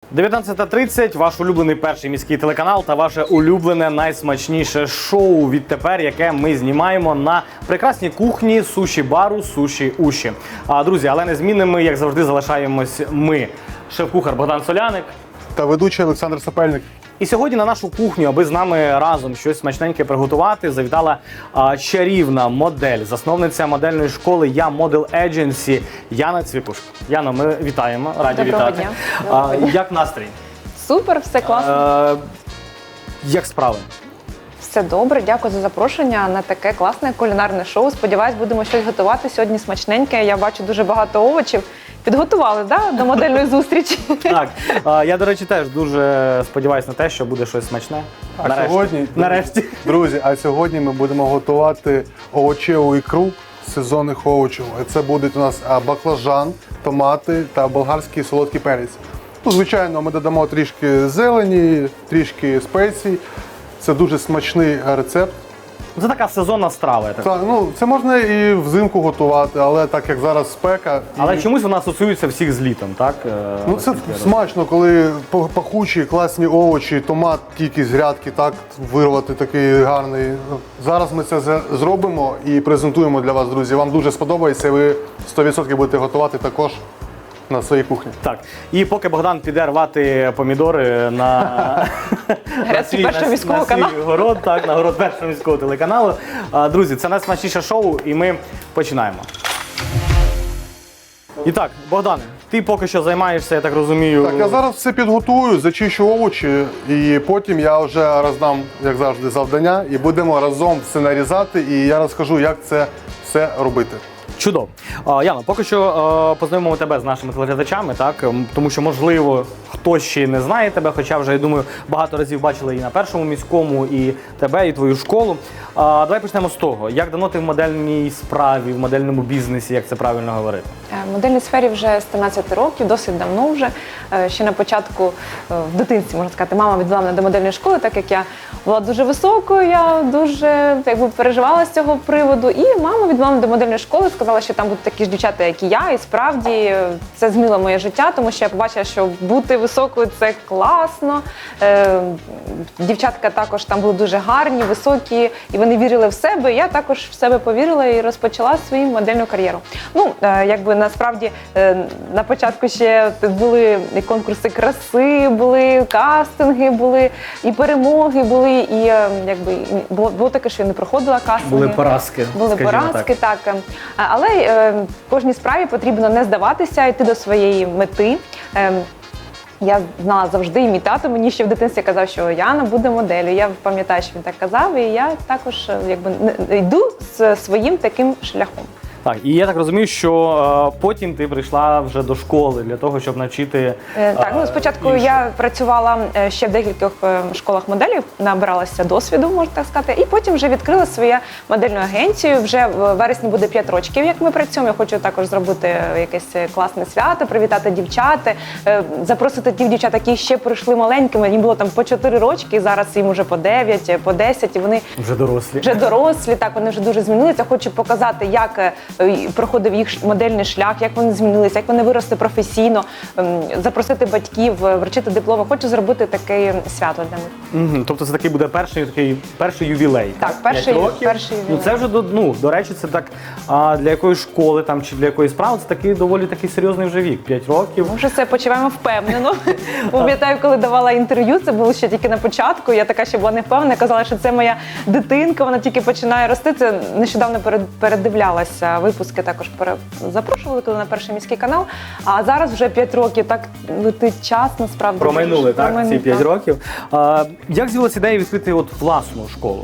19:30, ваш улюблений перший міський телеканал та ваше улюблене найсмачніше шоу відтепер, яке ми знімаємо на прекрасній кухні суші-бару «Суші Уші». Друзі, але незмінними, як завжди, залишаємось ми. Шеф-кухар Богдан Соляник та ведучий Олександр Сапельник. І сьогодні на нашу кухню, аби з нами разом щось смачненьке приготувати, завітала чарівна модель, засновниця модельної школи «Я Model Agency» Яна Цвікушко. Яно, ми вітаємо, раді Доброго вітати. дня. Як настрій? Супер, все класно. Як справи? Все добре, дякую за запрошення на таке класне кулінарне шоу. Сподіваюсь, будемо щось готувати сьогодні смачненьке. Я бачу дуже багато овочів. Підготували, до модельної зустрічі? Так, я, до речі, теж дуже сподіваюся на те, що буде щось смачне. Нарешті. Друзі, а сьогодні ми будемо готувати овочеву ікру з сезонних овочів. Це будуть у нас баклажан, томати та болгарський солодкий перець. Ну, звичайно, ми додамо трішки зелені, трішки спецій. Це дуже смачний рецепт. Це така сезонна страва. Я так. Так, це можна і взимку готувати, але так як зараз спека. Але чомусь вона асоціюється всіх з літом, так? Це смачно, коли пахучі, класні овочі, томат тільки з грядки, так, вирвати такий гарний. Зараз ми це зробимо і презентуємо для вас, друзі. Вам дуже сподобається, і ви 100% будете готувати також на своїй кухні. Так. І поки Богдан піде рвати помідори на Грецький першого міського каналу. свій город, так, на город першого міського телеканалу. Друзі, це найсмачніше шоу, і ми починаємо. І так, Богдане, ти поки що займаєшся, я так розумію. Так, я зараз все підготую, зачищу овочі, і потім я вже роздам, як завжди, завдання, і будемо разом все нарізати, і я розкажу, як це все робити. Чудово. Яно, поки що познайомимо тебе з нашими телеглядачами, так? Тому що, можливо, хтось ще не знає тебе, хоча вже, я думаю, багато разів бачили і на першому міському, і тебе, і твою школу. Давай почнемо з того. Як давно ти в модельній справі, в модельному бізнесі, як це правильно говорити? В модельній сфері вже з 13 років, досить давно вже. Ще на початку, в дитинстві, можна сказати, мама відвела мене до модельної школи, так як я була дуже високою, я дуже переживала з цього приводу. І мама відвела мене до модельної школи, сказала, що там будуть такі ж дівчата, як і я. І справді це змінило моє життя, тому що я побачила, що бути високою – це класно. Дівчатка також там були дуже гарні, високі, і вони вірили в себе. Я також в себе повірила і розпочала свою модельну кар'єру. Насправді на початку ще були і конкурси краси, були кастинги, були і перемоги були, і було таке, що я не проходила кастинги. Були поразки. Були поразки, так. Але кожній справі потрібно не здаватися, йти до своєї мети. Я знала завжди, і мій тато мені ще в дитинстві казав, що Яна буде моделлю. Я пам'ятаю, що він так казав, і я також йду своїм таким шляхом. Так, і я так розумію, що потім ти прийшла вже до школи для того, щоб навчити... Так, спочатку я працювала ще в декількох школах моделів, набиралася досвіду, можна так сказати, і потім вже відкрила свою модельну агенцію. Вже в вересні буде 5 років, як ми працюємо. Я хочу також зробити якесь класне свято, привітати дівчат, запросити тих дівчат, які ще прийшли маленькими, їм було там по 4 рочки, і зараз їм вже по 9, по 10, і вони... Вже дорослі. Вже дорослі, так, вони вже дуже змінилися. Хочу показати, як проходив їх модельний шлях, як вони змінилися, як вони виросли професійно, запросити батьків, вручити дипломи. Хочу зробити таке свято для них. Тобто це такий буде перший ювілей. Так, перший ювілей. Це вже, до речі, це так для якоїсь школи там, чи для якоїсь справи, це такий доволі такий серйозний вже вік, 5 років. Ми вже це почуваємо впевнено. Пам'ятаю, коли давала інтерв'ю, це було ще тільки на початку, я така ще була не впевнена, казала, що це моя дитинка, вона тільки починає рости. Це нещодавно передивлялася випуски, також запрошували, коли на перший міський канал. А зараз вже 5 років, так летить час, насправді. Промайнули, так, ці 5 років. Як з'явилася ідея відкрити власну школу?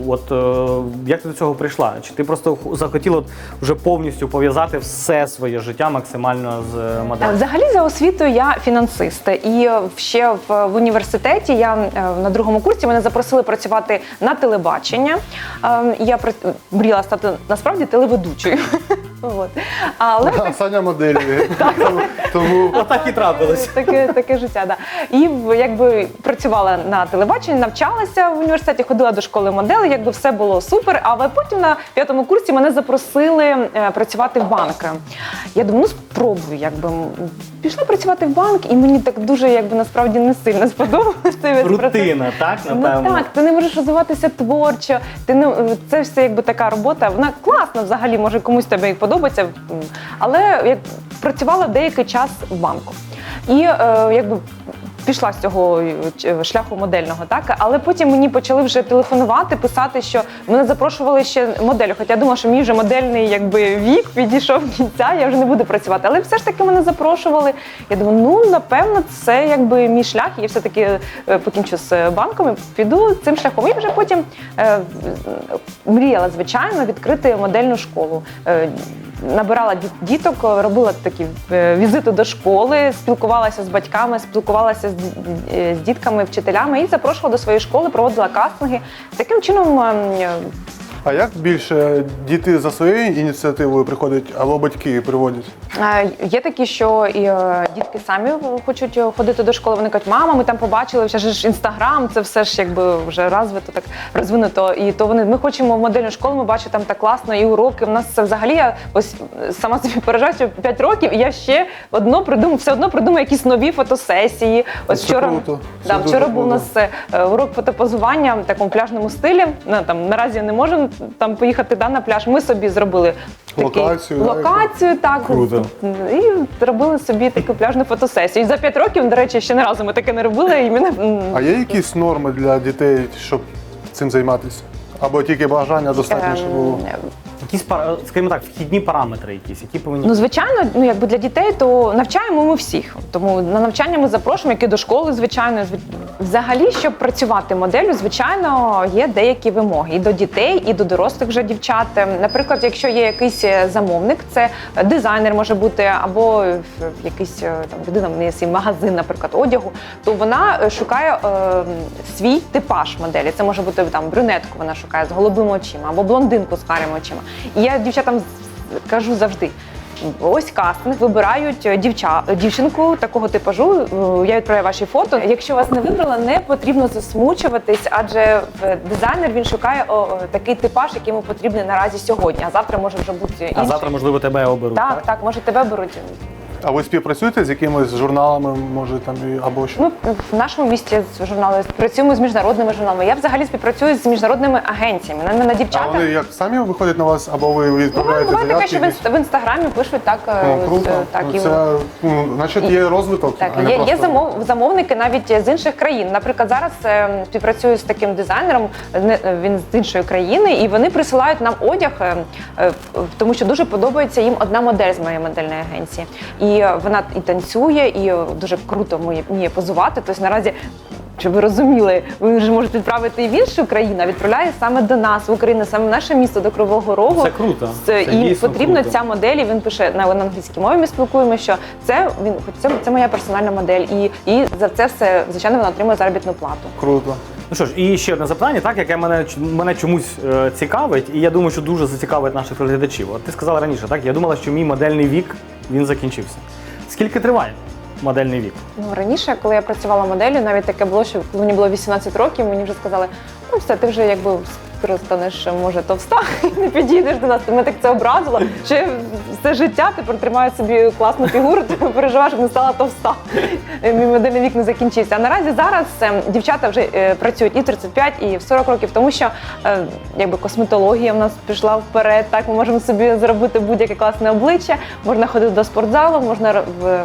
Як ти до цього прийшла? Чи ти просто захотіла вже повністю пов'язати все своє життя максимально з моделлю? Взагалі, за освітою я фінансист. І ще в університеті, я на 2-му курсі, мене запросили працювати на телебачення. Я мріяла стати, насправді, телеведучою. От. Але Саня моделі. Тому Отак і трапилось. таке життя, да. І якби працювала на телебаченні, навчалася в університеті, ходила до школи моделей, якби все було супер. Але потім на 5-му курсі мене запросили працювати в банк. Я думаю, ну спробую, якби. Пішла працювати в банк, і мені так дуже, якби насправді не сильно сподобалося цей вид процесу. Рутина, так, Ну напевно? так, ти не можеш розвиватися творчо, ти не це все якби така робота. Вона класна взагалі, може комусь тебе і подобається, але як працювала деякий час в банку. І якби пішла з цього шляху модельного, так, але потім мені почали вже телефонувати, писати, що мене запрошували ще моделю. Хоча я думала, що мій вже модельний якби вік підійшов до кінця, я вже не буду працювати. Але все ж таки мене запрошували. Я думаю, ну напевно, це якби мій шлях. І я все-таки покінчу з банком і піду цим шляхом. І вже потім мріяла, звичайно, відкрити модельну школу. Набирала діток, робила такі візити до школи, спілкувалася з батьками, спілкувалася з дітками, вчителями і запрошувала до своєї школи, проводила кастинги. Таким чином. А як більше діти за своєю ініціативою приходять, або батьки приводять? Є такі, що і дітки самі хочуть ходити до школи. Вони кажуть, мама, ми там побачили, вже ж Інстаграм, це все ж якби вже розвито, так розвинуто. І то ми хочемо в модельну школу, ми бачимо там так класно, і уроки. У нас це взагалі, я ось сама собі поражаю, що 5 років, і я ще все одно придумаю якісь нові фотосесії. Ось Це круто. Це вчора дуже був у нас урок фотопозування в такому пляжному стилі. Наразі не можемо там поїхати на пляж. Ми собі зробили локацію, так. Круто. І робили собі таку пляжну фотосесію. І за 5 років, до речі, ще не разу ми таке не робили. І А є якісь норми для дітей, щоб цим займатися? Або тільки бажання достатньо, щоб було? Якісь, скажімо так, вхідні параметри якісь, які повинні... Ну, звичайно, якби для дітей, то навчаємо ми всіх. Тому на навчання ми запрошуємо, як і до школи, звичайно. Взагалі, щоб працювати моделлю, звичайно, є деякі вимоги і до дітей, і до дорослих вже дівчат. Наприклад, якщо є якийсь замовник, це дизайнер може бути, або якийсь там людина, в неї є свій магазин, наприклад, одягу, то вона шукає свій типаж моделі. Це може бути там брюнетку, вона шукає з голубими очима, або блондинку з карими очима. І я дівчатам кажу завжди, ось кастинг, вибирають дівчинку такого типажу, я відправляю ваші фото. Якщо вас не вибрала, не потрібно засмучуватись, адже дизайнер, він шукає такий типаж, який йому потрібний наразі сьогодні, а завтра може вже бути інший. А завтра, можливо, тебе оберуть, так? Так, може тебе беруть. А ви співпрацюєте з якимись журналами, може там або що? Ми в нашому місті з журналами працюємо з міжнародними журналами. Я взагалі співпрацюю з міжнародними агенціями. На мене дівчата. А вони як самі виходять на вас, або ви відправляєте Буває таке, заявки? що в інстаграмі пишуть так. Круто. Так, і Це, значить, є розвиток. так, а не є просто... замовники навіть з інших країн. Наприклад, зараз співпрацюю з таким дизайнером, він з іншої країни, і вони присилають нам одяг, тому що дуже подобається їм одна модель з моєї модельної агенції. І вона і танцює, і дуже круто вміє позувати. Тобто наразі, щоб ви розуміли, ви вже можете відправити і в іншу країну, а відправляє саме до нас, в Україну, саме в наше місто, до Кривого Рогу. Це круто. Це І дійсно потрібна круто. ця модель, і він пише на англійській мові, ми спілкуємося, що це моя персональна модель. І за це все, звичайно, вона отримує заробітну плату. Круто. Ну що ж, і ще одне запитання, так, яке мене чомусь цікавить, і я думаю, що дуже зацікавить наших телеглядачів. От ти сказала раніше, так? Я думала, що мій модельний вік, він закінчився. Скільки триває модельний вік? Ну, раніше, коли я працювала моделлю, навіть таке було, що коли мені було 18 років, мені вже сказали, ну все, ти вже якби скоро станеш, може, товста, і не підійдеш до нас. Мене так це образило, що я все життя тепер тримаю собі класну фігуру, ти переживаю, щоб не стала товста. Мій модельний вік не закінчився. А наразі зараз дівчата вже працюють і в 35, і в 40 років, тому що якби косметологія в нас пішла вперед, так, ми можемо собі зробити будь-яке класне обличчя, можна ходити до спортзалу, можна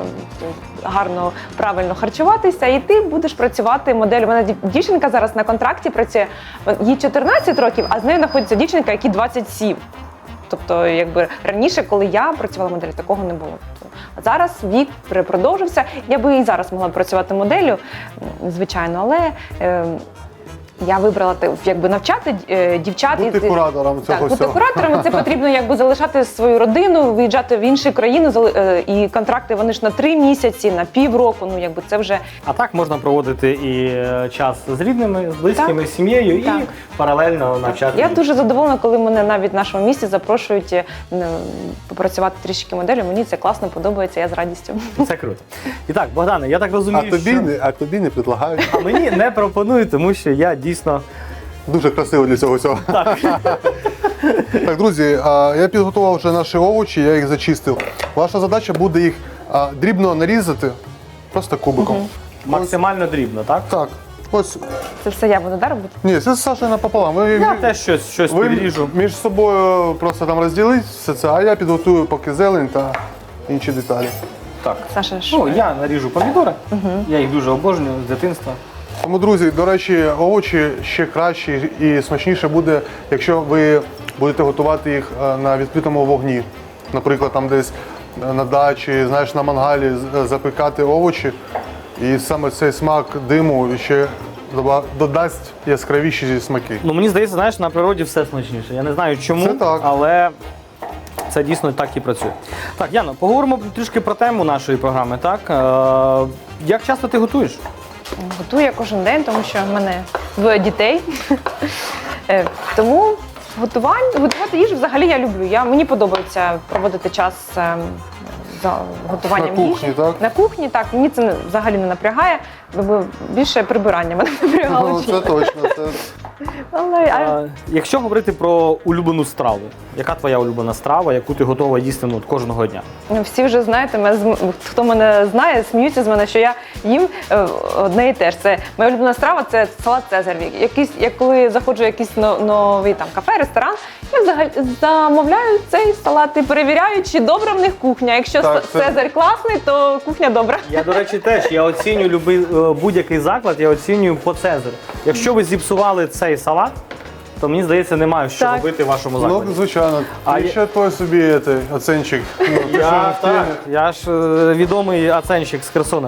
гарно, правильно харчуватися, і ти будеш працювати моделлю. У мене дівчинка зараз на контракті працює, їй 14 років, а з нею знаходиться дівчинка, якій 27. Тобто, якби раніше, коли я працювала моделлю, такого не було. А зараз вік продовжився. Я би і зараз могла працювати моделлю, звичайно, але я вибрала якби навчати дівчат. Бути куратором цього Так, бути всього. куратором, це потрібно якби залишати свою родину, виїжджати в інші країни, і контракти вони ж на 3 місяці, на півроку, ну якби це вже А так можна проводити і час з рідними, з близькими, Так. з сім'єю Так. і паралельно навчати. Я дуже задоволена, коли мене навіть в нашому місті запрошують попрацювати трішки моделлю. Мені це класно подобається, я з радістю. Це круто. І так, Богдане, я так розумію, А тобі не предлагають. а мені не пропонують, тому що я дійсно Дуже красиво для цього всього. Так, друзі, я підготував вже наші овочі, я їх зачистив. Ваша задача буде їх дрібно нарізати, просто кубиком. максимально дрібно, так? Так, ось. Це все я буду робити? Ні, це Саша напополам. Я теж щось ви підріжу. між собою просто там розділіть все це, а я підготую поки зелень та інші деталі. Так. Саша, Ну, я наріжу помідори, я їх дуже обожнюю з дитинства. Тому, друзі, до речі, овочі ще краще і смачніше буде, якщо ви будете готувати їх на відкритому вогні. Наприклад, там десь на дачі, знаєш, на мангалі запікати овочі. І саме цей смак диму ще додасть яскравіші смаки. Ну, мені здається, знаєш, на природі все смачніше. Я не знаю чому, Це так. але це дійсно так і працює. Так, Яно, поговоримо трішки про тему нашої програми, так? Як часто ти готуєш? Готую я кожен день, тому що в мене 2 дітей. Тому готувати їжу взагалі я люблю. Мені подобається проводити час за готуванням На кухні, їжі. так? На кухні, так. Мені це взагалі не напрягає, бо більше прибирання мене напрягало. Ну, це точно. Якщо говорити про улюблену страву, яка твоя улюблена страва, яку ти готова їсти кожного дня? Всі вже знаєте, хто мене знає, сміються з мене, що я їм одне і те ж. Це моя улюблена страва це салат Цезар. Як коли заходжу в якийсь новий там кафе, ресторан, я взагалі замовляю цей салат і перевіряю, чи добра в них кухня. Якщо Цезар класний, то кухня добра. Я, до речі, теж я оцінюю будь-який заклад, я оцінюю по Цезарю. Якщо ви зіпсували цей салат, то мені здається, немає що Так. робити в вашому закладі. Ну, звичайно. А І ще той собі оценчик. Я ж відомий оценщик з Херсона.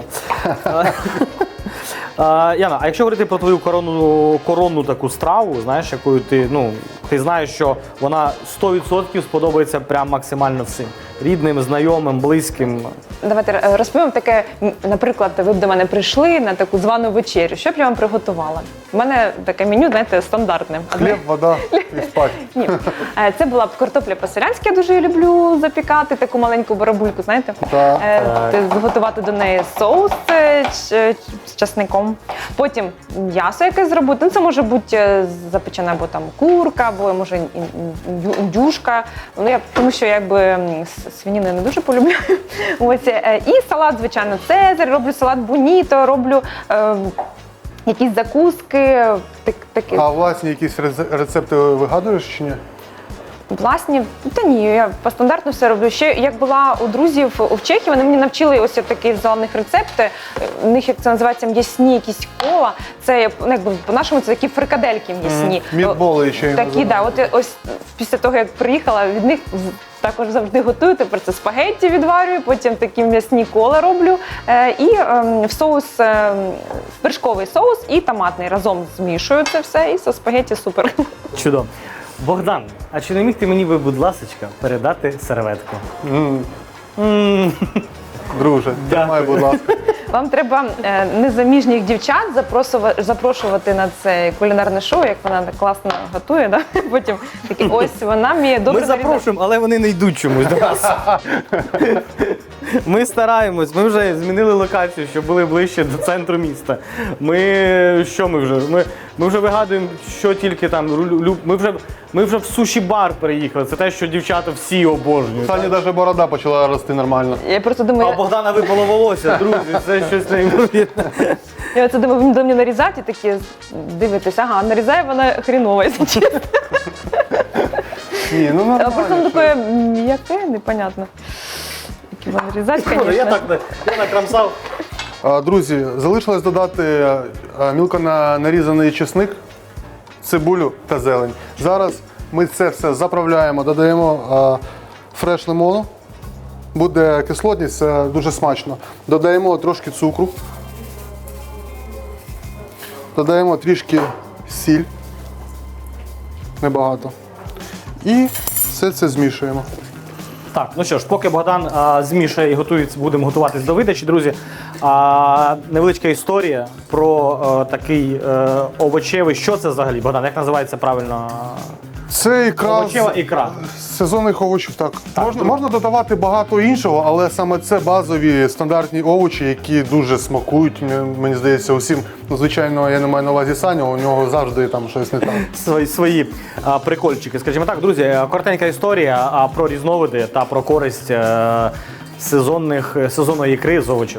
Яна, а якщо говорити про твою коронну таку страву, знаєш, якою ти знаєш, що вона 100% сподобається прям максимально всім. Рідним, знайомим, близьким. Давайте розповім таке, наприклад, ви б до мене прийшли на таку звану вечерю. Що б я вам приготувала? У мене таке меню, знаєте, стандартне. Хліб, вода і спать. Ні. Це була б картопля по-селянськи, я дуже люблю запікати, таку маленьку барабульку, знаєте? Так. Готувати до неї соус з часником. Потім м'ясо якесь зробити. Ну, це може бути запечена або там курка, або може індюшка. Ну, тому що якби свинину я не дуже полюбляю. Ось. І салат, звичайно, Цезар, роблю салат боніто, роблю якісь закуски. Такі. А власні якісь рецепти вигадуєш чи ні? Власні, та ні, я по стандартну все роблю. Ще як була у друзів в Чехії, вони мені навчили ось такі взяла в них рецепти. У них, як це називається, м'ясні якісь кола. Це якби по-нашому це такі фрикадельки м'ясні. Мітболи ще їм такі, да. От ось після того, як приїхала, від них також завжди готую. Тепер це спагетті відварюю, потім такі м'ясні кола роблю. І в соус, вершковий соус і томатний. Разом змішую це все і со спагетті супер. Чудово. Богдан, а чи не міг ти мені, будь ласочка, передати серветку? Друже, тримай, будь ласка. Вам треба незаміжніх дівчат запрошувати на це кулінарне шоу, як вона так класно готує. Да? Потім такі, ось вона вміє добре Ми запрошуємо, але вони не йдуть чомусь до нас. Ми стараємось, ми вже змінили локацію, щоб були ближче до центру міста. Ми вже вигадуємо, що тільки там. Ми вже в суші-бар переїхали. Це те, що дівчата всі обожнюють. Сані навіть борода почала рости нормально. Я просто А думаю, у Богдана випало волосся, друзі, це щось неймовірне. я це думаю, він до мене нарізати, такі дивитесь, ага, нарізає вона хріново, якщо чесно. Ні, ну нормально. Просто воно таке м'яке, непонятно. Як його нарізати, звісно. Я накрамсав. Друзі, залишилось додати мілко нарізаний чесник, цибулю та зелень. Зараз ми це все заправляємо, додаємо фреш лимону. Буде кислотність, це дуже смачно. Додаємо трошки цукру. Додаємо трішки сіль. Небагато. І все це змішуємо. Так, ну що ж, поки Богдан змішає і готується, будемо готуватись до видачі, друзі. Невеличка історія про такий овочевий. Що це взагалі, Богдан? Як називається правильно? Це ікра Овочева ікра. з сезонних овочів, так. Можна додавати багато іншого, але саме це базові стандартні овочі, які дуже смакують, мені здається, усім. Ну, звичайно, я не маю на увазі Саню, у нього завжди там щось не так. Свої прикольчики. Скажімо так, друзі, коротенька історія про різновиди та про користь сезонної ікри з овочів.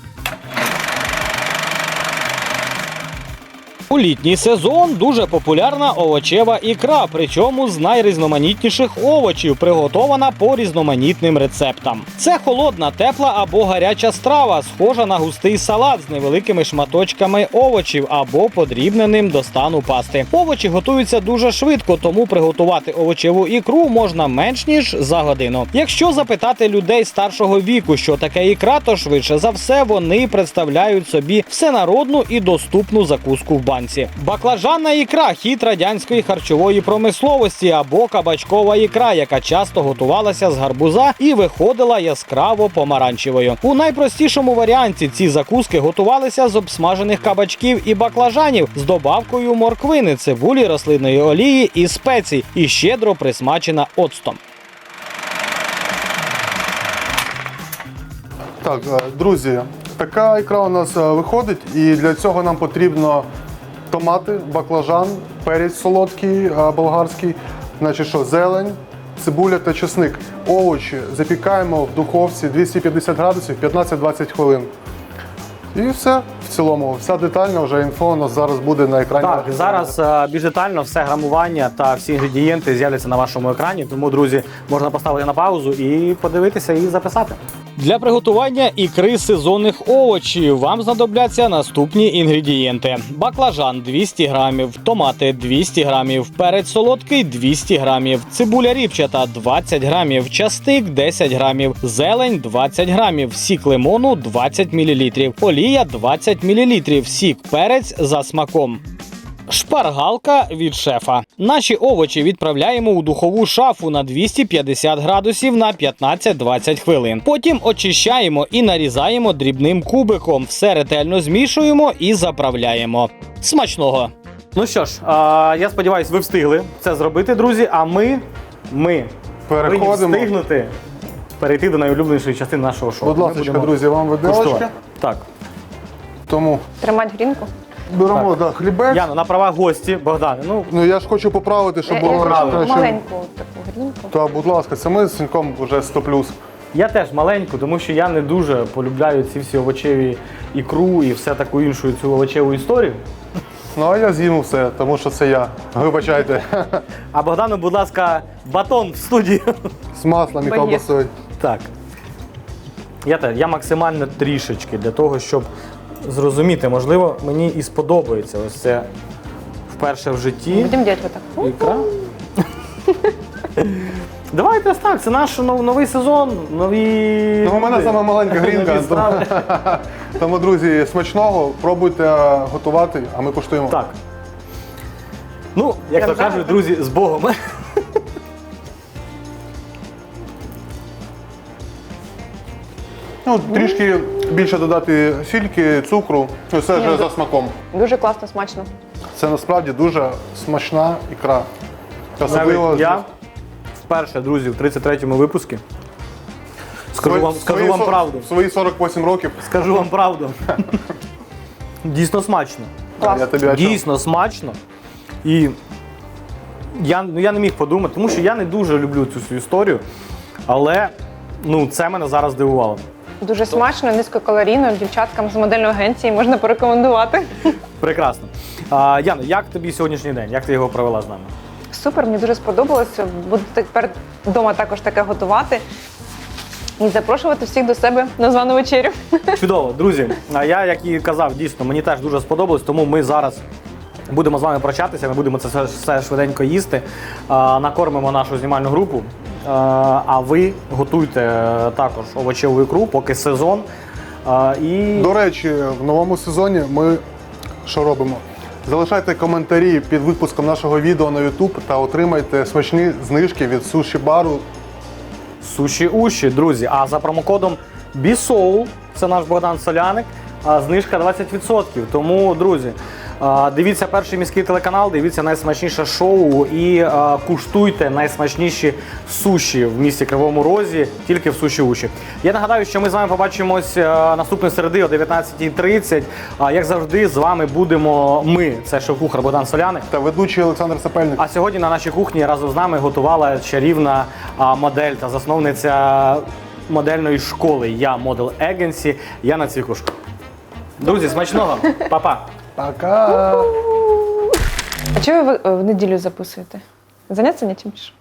У літній сезон дуже популярна овочева ікра, причому з найрізноманітніших овочів, приготована по різноманітним рецептам. Це холодна, тепла або гаряча страва, схожа на густий салат з невеликими шматочками овочів або подрібненим до стану пасти. Овочі готуються дуже швидко, тому приготувати овочеву ікру можна менш ніж за годину. Якщо запитати людей старшого віку, що таке ікра, то швидше за все вони представляють собі всенародну і доступну закуску в банці. Баклажанна ікра – хід радянської харчової промисловості або кабачкова ікра, яка часто готувалася з гарбуза і виходила яскраво помаранчевою. У найпростішому варіанті ці закуски готувалися з обсмажених кабачків і баклажанів з добавкою морквини, цибулі, рослинної олії і спецій, і щедро присмачена оцтом. Так, друзі, така ікра у нас виходить, і для цього нам потрібно томати, баклажан, перець солодкий, болгарський, значить що, зелень, цибуля та чесник. Овочі запікаємо в духовці 250 градусів 15-20 хвилин. І все в цілому. Вся детальна вже інфо у нас зараз буде на екрані. Так, зараз більш детально все грамування та всі інгредієнти з'являться на вашому екрані. Тому, друзі, можна поставити на паузу і подивитися і записати. Для приготування ікри з сезонних овочів вам знадобляться наступні інгредієнти. Баклажан – 200 грамів, томати – 200 грамів, перець солодкий – 200 грамів, цибуля ріпчата – 20 грамів, часник – 10 грамів, зелень – 20 грамів, сік лимону – 20 мл, олія – 20 мл, сік, перець за смаком. Шпаргалка від шефа. Наші овочі відправляємо у духову шафу на 250 градусів на 15-20 хвилин. Потім очищаємо і нарізаємо дрібним кубиком. Все ретельно змішуємо і заправляємо. Смачного! Ну що ж, я сподіваюся, ви встигли це зробити, друзі, а ми повинні встигнути перейти до найулюбленішої частини нашого шоу. Будь ласка, друзі, вам виделочка. Куштувати. Так. Тому Тримати грінку. беремо хлібець. Яна, на права гості, Богдане. Ну я ж хочу поправити, щоб було краще. Маленьку таку грінку. Та, будь ласка, це ми з Сіньком вже 100+. Я теж маленьку, тому що я не дуже полюбляю ці всі овочеві ікру і все таку іншу цю овочеву історію. Ну а я з'їм все, тому що це я. Вибачайте. А Богдану, будь ласка, батон в студію. З маслом і Боєць. ковбасою. Так. Я максимально трішечки для того, щоб зрозуміти, можливо, мені і сподобається ось це вперше в житті. Будемо робити отак. Ікра. Давайте ось так, це наш новий сезон, нові. Ну, у мене сама маленька грінка. нові страви. Тому, друзі, смачного, пробуйте готувати, а ми куштуємо. Так. Ну, як то кажуть, друзі, з Богом. Ну, трішки більше додати сільки, цукру, і все вже за смаком. Дуже класно, смачно. Це насправді дуже смачна ікра. Особливо Навіть я вперше, друзі, в 33-му випуску. Скажу вам правду. В свої 48 років. Скажу вам правду. Дійсно смачно. Клас. Я тобі о чому? Дійсно смачно. І я не міг подумати, тому що я не дуже люблю цю всю історію, але це мене зараз здивувало. Дуже смачно, низькокалорійно, дівчаткам з модельної агенції можна порекомендувати. Прекрасно. Яна, як тобі сьогоднішній день? Як ти його провела з нами? Супер, мені дуже сподобалося. Буду тепер вдома також таке готувати. І запрошувати всіх до себе на звану вечерю. Чудово, друзі. Я, як і казав, дійсно, мені теж дуже сподобалось, тому ми зараз будемо з вами прощатися, ми будемо це все швиденько їсти, накормимо нашу знімальну групу, а ви готуйте також овочеву ікру, поки сезон. До речі, в новому сезоні ми що робимо? Залишайте коментарі під випуском нашого відео на YouTube та отримайте смачні знижки від суші-бару. Суші уші, друзі. А за промокодом BISOUL, це наш Богдан Соляник, знижка 20%. Тому, друзі, дивіться перший міський телеканал, дивіться найсмачніше шоу і куштуйте найсмачніші суші в місті Кривому Розі, тільки в суші уші. Я нагадаю, що ми з вами побачимось наступної середи о 19:30. Як завжди, з вами будемо ми, це шеф-кухар Богдан Соляник. Та ведучий Олександр Сапельник. А сьогодні на нашій кухні разом з нами готувала чарівна модель та засновниця модельної школи «Я Model Agency» Яна Цвікушко. Друзі, смачного! Па-па! Пока! А чого ви в неділю записуєте? Заняться нічим більше?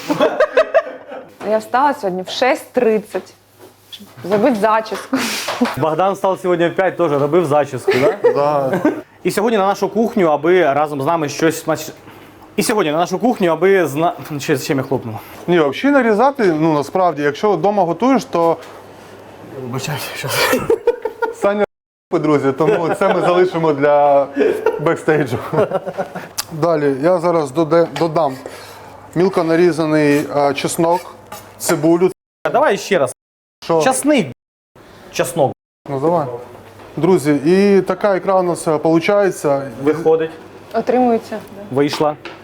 Я встала сьогодні в 6:30, щоб зробити зачіску. Богдан став сьогодні в 5, теж робив зачіску, так? Да. І сьогодні на нашу кухню, аби разом з нами щось смачне. І сьогодні на нашу кухню, аби чим я хлопнув. Ні, взагалі нарізати, ну насправді, якщо вдома готуєш, то Вибачайте, що Саня друзі, тому це ми залишимо для бекстейджу. Далі я зараз додам мілко нарізаний чеснок, цибулю. Давай ще раз. Що? Часник. Чеснок. Ну давай. Друзі, і така ікра у нас виходить. Виходить. Отримується. Вийшла.